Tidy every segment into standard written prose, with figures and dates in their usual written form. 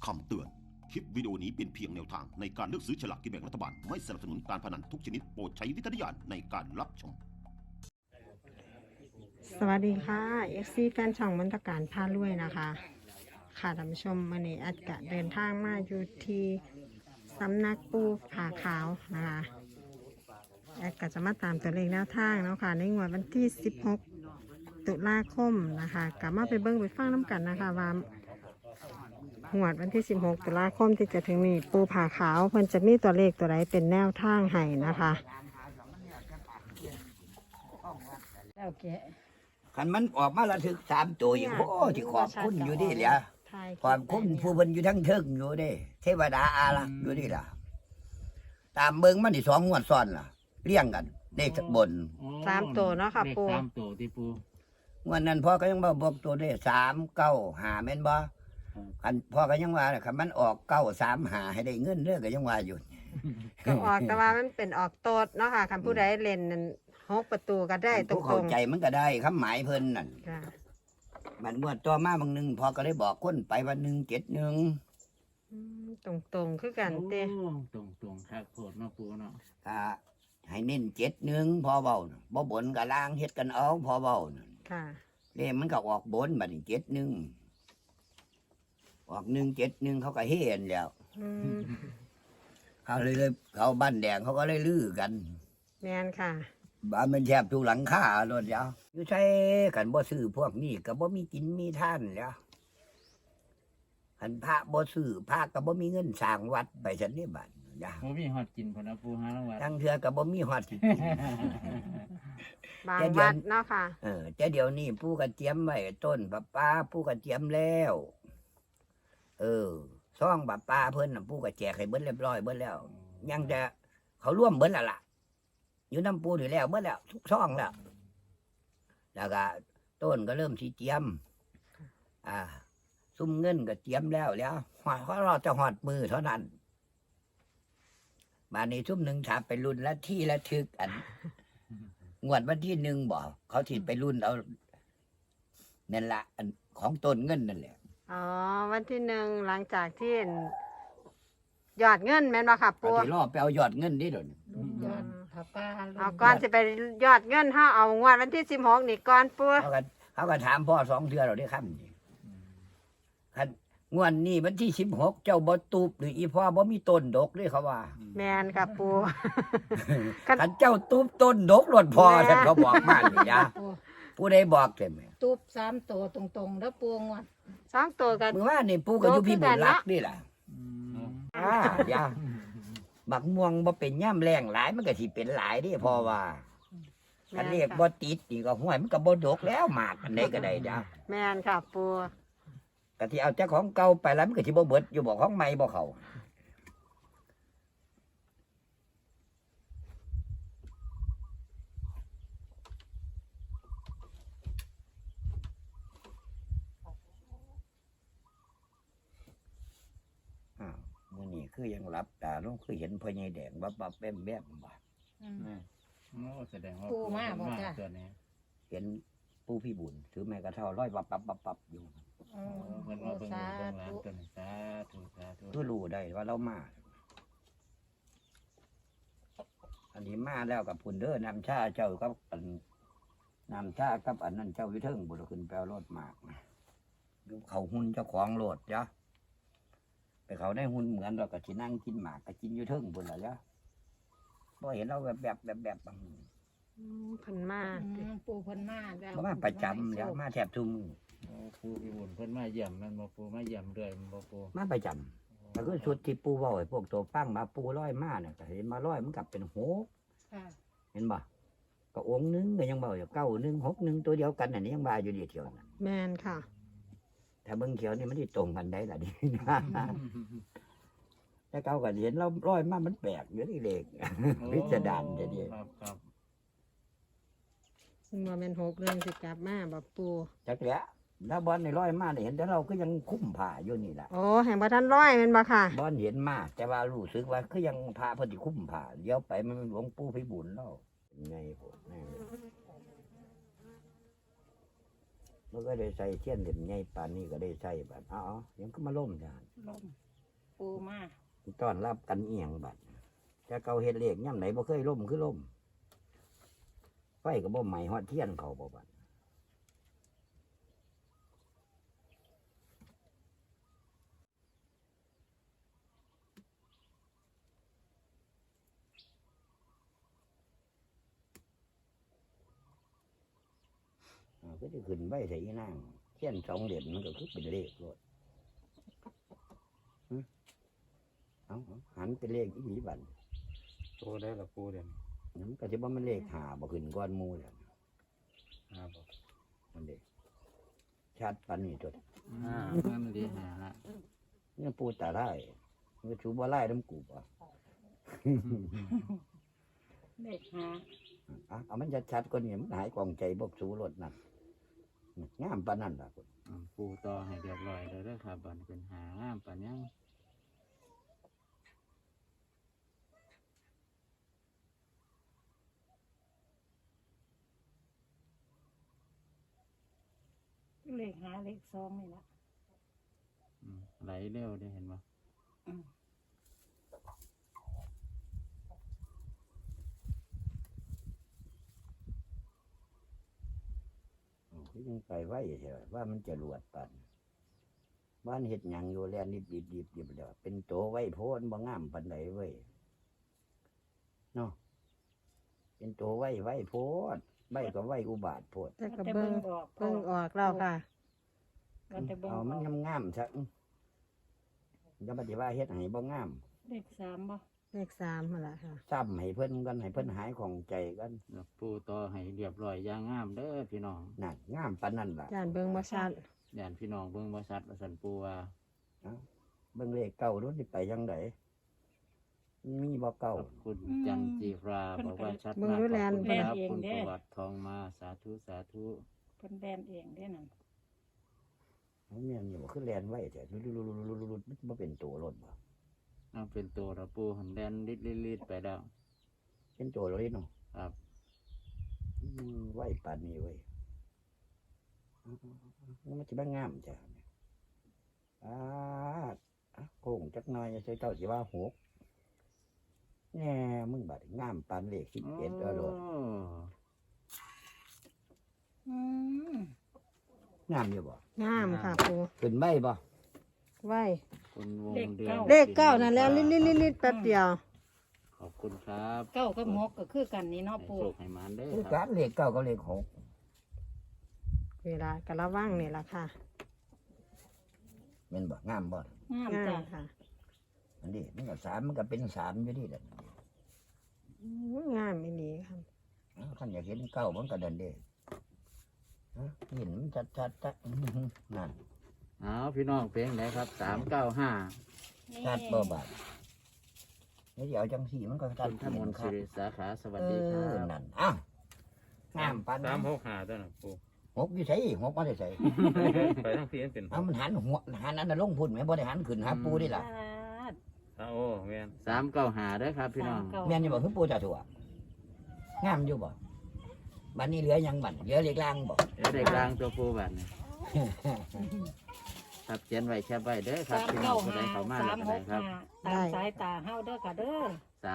คำเตือน คลิปวิดีโอนี้เป็นเพียงแนวทางในการเลือกซื้อฉลากกินแบ่งรัฐบาล ไม่สนับสนุนการพนันทุกชนิดโปรดใช้วิจารณญาณในการรับชมสวัสดีค่ะ FC แฟนช่องมนตการพารวยนะคะ ค่ะท่านผู้ชมวันนี้อาจจะเดินทางมาอยู่ที่สำนักปูผาขาวนะคะแอดก็จะมาตามตัวเลขแนวทางเนาะค่ะในงวดวันที่ 16 ตุลาคมนะคะกลับมาไปเบิ้งไปฟังน้ำกันนะคะว่างวดวันที่ 16 ตุลาคมที่จะถึงนี้ปูผาขาวเพิ่นจะมีตัวเลขตัวใดเป็นแนวทางให้นะคะแล้วแกคันมันออกมาระทึก3 ตัวอยู่โอ้ที่ขอบคุณอยู่ดิแหละขอบคุณผู้เพิ่นอยู่ทั้งเทิงอยู่เด้เทวดาอารักษ์อยู่ดิล่ะตามเบิ่งมันนี่2 งวดซ้อนล่ะเรียงกันเลขบน 3 ตัวเนาะค่ะปูเลข3 ตัวที่ปูงวดนั้นพ่อก็ยังบ่บอกตัวได้3 9 5แม่นบ่คันพ่อก็ยังว่าคันมันออก9 3 5ให้ได้เงินเด้อก็ยังว่าอยู่ก็ออกแต่ว่ามันเป็นออกโตดเนาะค่ะคันผู้ใดเล่นนั่น6 ประตูก็ได้ตรผู้เข้าง ใจมันก็ได้คำหมายเพิ่นนั่นๆค่ะมันงวดต่อมาบางนึงพ่อก็ได้บอกคนไปวัน1 7 1 ตรงๆคือกันเต้ตรงครับโพดเนาะปูเนาะให้เน้น7 1พอเว้าน่ะบ่บนก็ล่างเฮ็ดกันเอาพอเว้าน่ะค่ะเลขมันก็ออกบนบัดนี้7 1ออก1 7 1เขาก็เฮ็ดแล้วอืมเขาเลยเขาบ้านแดงเขาก็เลยลือกันแม่นค่ะบ้านมันแทบทุกหลังคาโลดแล้วอยู่ใช้กันบ่ซื้อพวกนี้ก็บ่มีกินมีท่านแล้วคันพระบ่ซื้อพระก็บ่มีเงินสร้างวัดไปซั่นนี่บัดจ้ะบ่มีฮอดกินพุ่นนะปูหาละวัดทั้งเทื่อก็บ่มีฮอดสิกินบางแต่เดี๋ยววัดเนาะค่ะแต่เดี๋ยวนี้ปู่ก็เตรียมไว้ต้นปะปาปู่ก็เตรียมแล้วซองปะปาเพิ่นน่ะปู่ก็แจกให้เบิดเรียบร้อยเบิดแล้ว ยังจะเขาร่วมเบิดแล้วล่ะ อยู่น้ำปู่นี่แล้วเบิดแล้วทุกซองแล้วแล้วก็ต้นก็เริ่มสิเตรียมซุ่มเงินก็เตรียมแล้วเพราะเราจะหอดมือเท่านั้นมาในซุ่มหนึ่งถามไปรุ่นละที่ละทึกอัน งวดวันที่1บอกเขาถิไปรุ่นเอานั่นละอันของต้นเงินนั่นแหละอ๋อ วันที่1หลังจากที่ยอดเงินแม่นบ่ค่ะเขาปู่ถิรอบไปเอายอดเงินนี่เดี๋ยวนี้เอาก่อนสิไปยอดเงินเฮาเอางวดวันที่16นี่ก่อนปู่เขาก็ถามพ่อ2 เทื่อเราได้คำนี่คันงวดนี้วันที่16เจ้าบ่ตูบหรืออีพ่อบ่มีต้นดกเลยเขาว่าแม่นค่ะปู่คันเจ้าตูบต้นดกรถพอท่านเขาบอกมานี่จ้ะผู้ใดบอกใช่ไหมตูบ3 ตัวตรงๆแล้วปวงวัด 2 ตัวกันเมื่อวานนี่ปู่ก็อยู่พี่บุญรักนี่ล่ะ อย่าบักม่วงบ่เป็นย่ำแรงหลายมันก็สิเป็นหลายเด้พอว่าคันเรียกบ่ติดนี่ก็ห้วยมันก็บ่ดกแล้วหมากอันใดก็ได้จ้ะแม่นค่ะปู่ก็ที่เอาเจ้าของเก่าไปแล้วมันก็สิบ่เบิดอยู่บ่ของใหม่บ่เข้ามื้อนี้คือยังหลับตาลงคือเห็นพ่อใหญ่แดงบับๆแบ๊บๆบ่โอ้แสดงว่าปูมาบ่จ้ะตัวนี้เห็นปู่พี่บุญถือไม้กระเท่าร้อยปับๆๆอยู่อืมเพิ่นว่าเบิ่งสาเบิ่งร้านธุตัวนี้สาธุสาธุก็รู้ได้ว่าเรามา อันนี้มาแล้วกับพุ่นเด้อนำชาเจ้ากับอันนำชากับอันนั้นเจ้าวิเทิงบุตรขึ้นแปลรถมากนะอยู่เขาหุ่นเจ้าของรถจ้ะไปเขาได้หุ่นเหมือนเราก็สินั่งกินหมากก็กินอยู่เทิงบุญละจ้ะพอเห็นเราแบบบางเพิ่นมาปูเพิ่นมาแล้วบ่มาประจำแล้วมาแทบทุกมื้อโอ้ปูพี่บุญเพิ่นมาเยี่ยมแม่นบ่ปูมาเยี่ยมเรื่อยแม่นบ่ปูมาประจำแต่ก็ชุดที่ปูเว้าให้พวกตัวฟังมาปูร้อยมาเนี่ยก็เห็นมาร้อยมันกลับเป็นโหค่ะเห็นบ่ก็องค์หนึงก็ยังเบาอยู่9 1 6 1ตัวเดียวกันอันนี้ยังบาอยู่เดียวเที่ยวนั้นแม่นค่ะถ้าเบิ่งเขียวนี่มันสิตรงกันได้ล่ะดิ แต่เก่าก็เห็นเราร้อยมามันแปลกอยู่นี่เล็ก พิสดารจะดีครับครับว่าแม่น6เรื่องสิกลับมาบ่ปู่จักแหละถ้าบอลในร้อยมาเนี่ยเห็นแต่เราก็ยังคุ้มผ้าอยู่นี่ล่ะโอ้แห่งบ่ทันร้อยแม่นบ่ค่ะบอลเห็นมาแต่ว่ารู้สึกว่าคือยังพาเพิ่นสิคุ้มผ้าเดี๋ยวไปมันหลวงปู่พิบูลแล้วเป็นไงโพดแน่เลยมันก็ได้ใส่เทียนเล่มใหญ่ปานนี้ก็ได้ใส่บัดเอายังก็มาล่มจ้ะลมปูมาต้อนรับกันเอียงบัดจะเกาเฮ็ดเลขย่ำไหนบ่เคยล่มคือล่มไฟก็บ่ไหม้ฮอดเทียนเขาบ่บัดก็จะขึ้นไว้ใส่อีนางเทียน2เหรียญมันก็คือเป็นเลขโลดเอาหันเป็นเลขอีหลีบัดโตได้ละปูเด่นมันก็สิบ่มันเลขหาบ่ขึ้นก้อนหมู่แล้วครับมันเด้ชัดปานนี้ตัวนั่นดีหาละเนี่ยปูตาไล่มันก็ชูบ่ไล่น้ำกูบ่เลขหาเอามันชัดๆกว่านี้มันหายกองใจบ่สู้รถนั่นงามปานนั้นล่ะคุณปูต่อให้เรียบร้อยเลยเด้อครับบัดเป็นหางามปานยังเลขหาเลขสองนี่ละไหลเร็วได้เห็นบ่คือยังไปไว้ใช่ว่ามันจะรวดปานบ้านเฮ็ดหยังอยู่แลนิบๆๆแล้วเป็นโตไว้โพนบ่งามปานใดเว้ยเนาะเป็นโตไว้โพดไว้ก็ไว้อุบาทโพดแต่ก็เบิ่งออกแล้วค่ะก็จะเบิ่งเอามันงามๆซะอย่าปฏิว่าเฮ็ดให้บ่งามเลขสามบ่เลข3นั่นแหละค่ะซ้ำให้เพิ่นกันให้เพิ่นหายของใจกันแล้วปูต่อให้เรียบร้อยอย่างงามเด้อพี่น้องนั่นงามปานนั้นล่ะย่านเบิ่งบ่ชัดย่านพี่น้องเบิ่งบ่ชัดว่าซั่นปูว่าเบิ่งเลขเก่าดูสิไปจังไดมีบ่เก่าขอบคุณจันจีราบอกว่าชัดเบิ่งมากดูขแลอบนคุณครับคุณประวัติทองมาสาธุสาธุเพิ่นแบนเองได้อนั่นเอาแม่นอยู่บ่คือแลนไว้แต่ลุๆๆๆๆบ่เป็นตัวรถบ่เอาเป็นตัวระปูหันแดนลิดๆไปแล้วเป็นตัวรถเนาะครับไว้ปานนี้เว้ยมันสิบ่งามจ้ะโค้งจักหน่อยใส่เจ้าสิว่าหกแน่มึงบัดงามปานเลข11เอาโลดอืมงามอยู่บ่งามค่ะปูขึ้นไว้บ่ไว้คุณวงเดือนเลข9นั่นแล้วลิดๆๆแป๊บเดียวขอบคุณครับเก้ากับหกก็คือกันนี่เนาะให้ปูโชคให้หมานเด้อคือคการับรเลขเก้ากับเลขหกเวลาก็ระวังนี่ล่ะค่ะแม่นบ่งามบ่งามงาจ้ะมค่ะอันนี้มันก็3มันก็เป็น3อยู่นี่แหละงามอีหลีค่ะคันอยากเห็นเก้ามันก็ดันเด้เห็นมันชัดๆนั่นเอาพี่น้องเพลงไหนครับ395 นี่ชัดบ่บาดแล้วเดี๋ยวจังสี่มันก็ชัดคุณธมนต์คสิรับริสาขาสวัสดีครันั่บนอ้าวงามปานนั้น 365ตัวน่ะปูหกอยู่ไสหกมาได้ไสไปทางพี่เป็นเอามันหันหัวหันอันนั้นลงพุ่นแม่บ่ได้หันขึ้นหาปูนี่ล่ะโอ้แม่น395เด้อครับพี่น้องแม่นอยู่บ่คือปูจ่าถั่วงามอยู่บ่บัดนี้เหลือหยังบัดเหลือเลขล่างบ่เดี๋ยวเด็กลางตัวปูบัดนี้ครับเขียนไว้แคปไว้เด้อครับพี่น้องผู้ใดเข้ามาแล้วก็ได้ครับตามสายตาเฮาเด้อค่ะเด้อ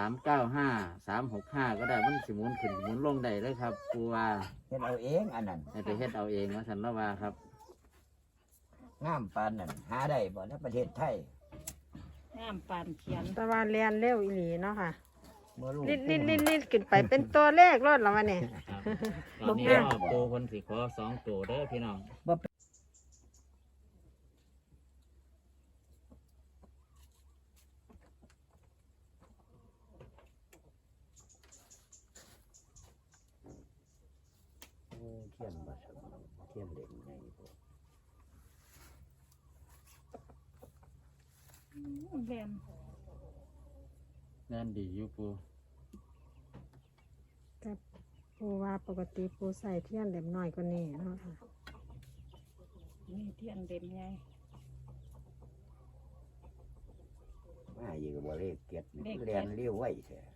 365 365 ก็ได้มันสิหมุนขึ้นหมุนลงได้เลยครับปูว่าเฮ็ดเอาเองอันนั้นให้ไปเฮ็ดเอาเองว่าสันละว่าครับงามปานนั้นหาได้บ่ในประเทศไทยงามปานเขียนแต่ว่าเรียนเร็วอีหลีเนาะค่ะบ่รู้ลิดขึ้นไปเป็นตัวเลขรถแล้ววะเนี่ยตอนนี้ก็ปูคนสิขอ2ตัวเด้อพี่น้องโอ้เทียนบ่สมเทียนเหล็กไงพวกแบนนั่นดีอยู่ปูแต่ปูว่าปกติปูใส่เทียนเล็มน้อยกว่านี้เนาะค่ะนี่เทียนเด่มใหญ่มาอยู่กับบ่เลขเก็ดนี่เรียนเลี้ยวไว้แท้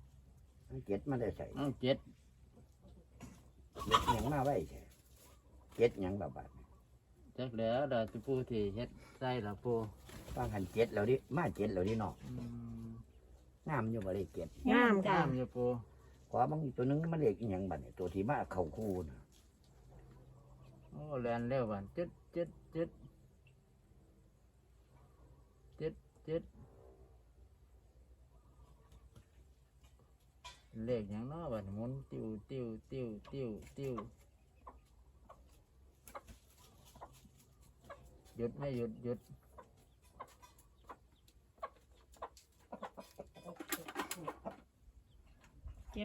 เก็ดมาได้ใส่เอา7 เล็กหยังมาไว้แท้เจ็ดหยังละบาดจักแล้วดอกปูที่เฮ็ดใส่ละปูว่าหันเจ็ดแล้วดิมาเจ็ดแล้วดิเนาะอืมงามอยู่บ่ได้เจ็ดงามจ้ะงามอยู่ปูขวาบางตัวหนึงมันเรียกอีหยังบัดเนี่ยตัวที่มาเข้าคู่นะโอ้แลนเร็วบัดจึ๊ดจึ๊ดจึ๊ดจึ๊ดจึ๊ดเลขหยังเนาะบัดหมุนติ้วติ้วติ้วติ้วติ้วหยุดไม่หยุดหยุด 76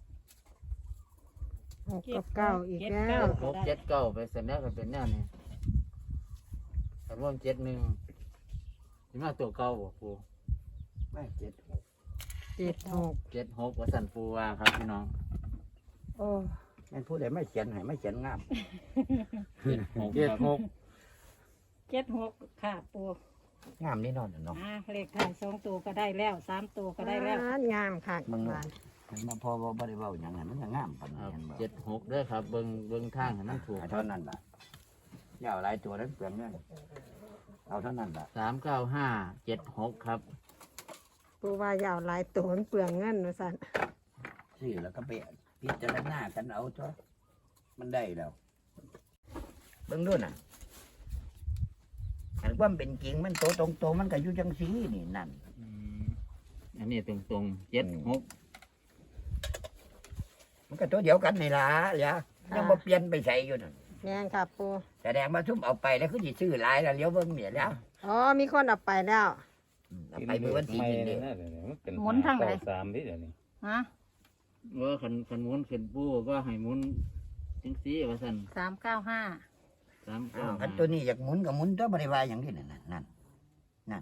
6กับ9อีกแล้วหกเจ็ดเก้าไปเสร็จแล้วก็เป็นแนวนี้แต่ว่า71สิมาตัวเก่าบ่ปูมาเจ็ดหก 76 76ว่าสั่นปูว่าครับพี่น้องโอ้แม่นผู้ใดไม่เขียนให้ไม่เขียนงาม 76 76ค่ะปูงามนี่นอนเนาะเลขท้าย2ตัวก็ได้แล้ว3ตัวก็ได้แล้วงามค่ะมึงบ้านมันมาพอบ่ได้เว้าหยังไงมันก็งามปานนี้เห็นบ่ 76เด้อครับเบิ่งทางให้มันถูกเท่านั้นล่ะอย่าเอาหลายตัวนั้นเปลืองเงินเอาเท่านั้นล่ะ 39576ครับปูว่ายาวหลายตัวมันเปลืองเงินว่าซั่นซื้อแล้วก็ไปพิจารณากันเอาตัวมันได้แล้วเบิ่งดูน่ะอันความเป็นจริงมันโตตรงๆมันก็อยู่จังซี่นี่นั่นอันนี้ตรงๆ76 มันก็ตัวเดียวกันนี่ล่ะอย่ายังบ่เปลี่ยนไปใส่อยู่นั่นแม่นค่ะปูแสดงว่าทุ่มเอาไปแล้วคือสิซื้อหลายแล้วเลี้ยวเบิ่งเนี่ยแล้วอ๋อมีคนเอาไปแล้วเอาไปมื้อวันที่นี่เด้หมุนทางไหนสามที่เดี๋ยวนี้ฮะว่าคันหมุนขึ้นปูก็ให้หมุนจังซี่ว่าซั่น 395 อ้าวคันตัวนี้อยากหมุนก็หมุนตัวบ่ได้ว่าหยังนี่นั่นนั่น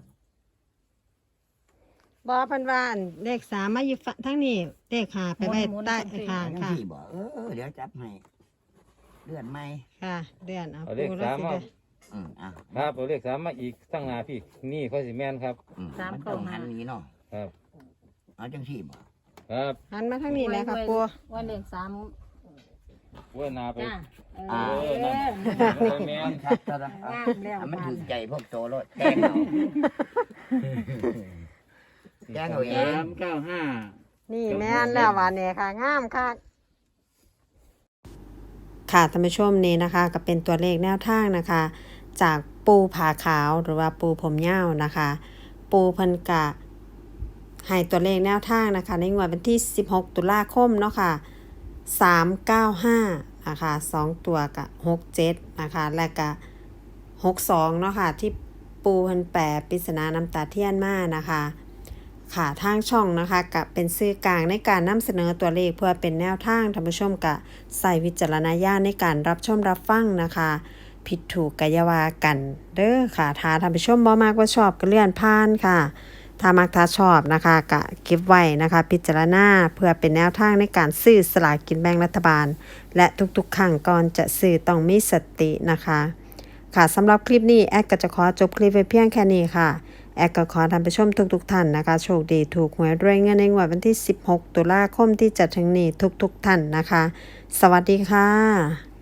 บ่เพิ่นว่าอันเลข3มาอยู่ฝั่งทางนี้เลข5ไปไว้ใต้ข้างจังค่ะซี่บ่เดี๋ยวจับให้เลื่อนใหม่ค่ะเดือนเอาเอาเลปูขแล้วสามสิมาเด้ออ่ะครับเอาเลขสามมาอีกตั้งหนาพี่นี่เขาสิแม่นครับมันต้องหันนี้เนาะครับเอาจังซี่บ่ครับหันมาทางนี้แหละค่ะปูว่าเลข3 ว่านาไปจ้านั่นมันแม่นครับตอนนั้นงามแล้วมันบาถูดกใจพวกโตรถแจ้งเอาแจ้งเอาเอง 395 นี่แม่นแล้วว่าเนี่ยค่ะงามค่ะค่ะท่านผู้ชมนี่นะคะก็เป็นตัวเลขแนวทางนะคะ จากปูผาขาวหรือว่าปูผมยาวนะคะ ปูเพิ่นกะให้ตัวเลขแนวทางนะคะ ในงวดวันที่16ตุลาคมเนาะค่ะ395นะคะ2ตัวกับ67นะคะและก็62เนาะค่ะที่ปูเพิ่นแปลปริศนาน้ำตาเทียนมานะคะค่ะทางช่องนะคะกับเป็นสื่อกลางในการนำเสนอตัวเลขเพื่อเป็นแนวทางท่านผู้ชมกะใส่วิจารณญาณในการรับชมรับฟังนะคะผิดถูกกะอยาวากันเด้อค่ะถ้าท่านผู้ชมบ่มากว่าชอบก็เลื่อนผ่านค่ะถ้ามักถ้าชอบนะคะกะเก็บไว้นะคะพิจารณาเพื่อเป็นแนวทางในการซื้อสลากกินแบ่งรัฐบาลและทุกๆครั้งก่อนจะซื้อต้องมีสตินะคะค่ะสำหรับคลิปนี้แอดก็จะขอจบคลิปไว้เพียงแค่นี้ค่ะแอดก็ขอท่านผู้ชมทุกท่านนะคะโชคดีถูกหวยรวยเงินในงวดวันที่16ตุลาคมที่จะถึงนี้ทุกท่านนะคะสวัสดีค่ะ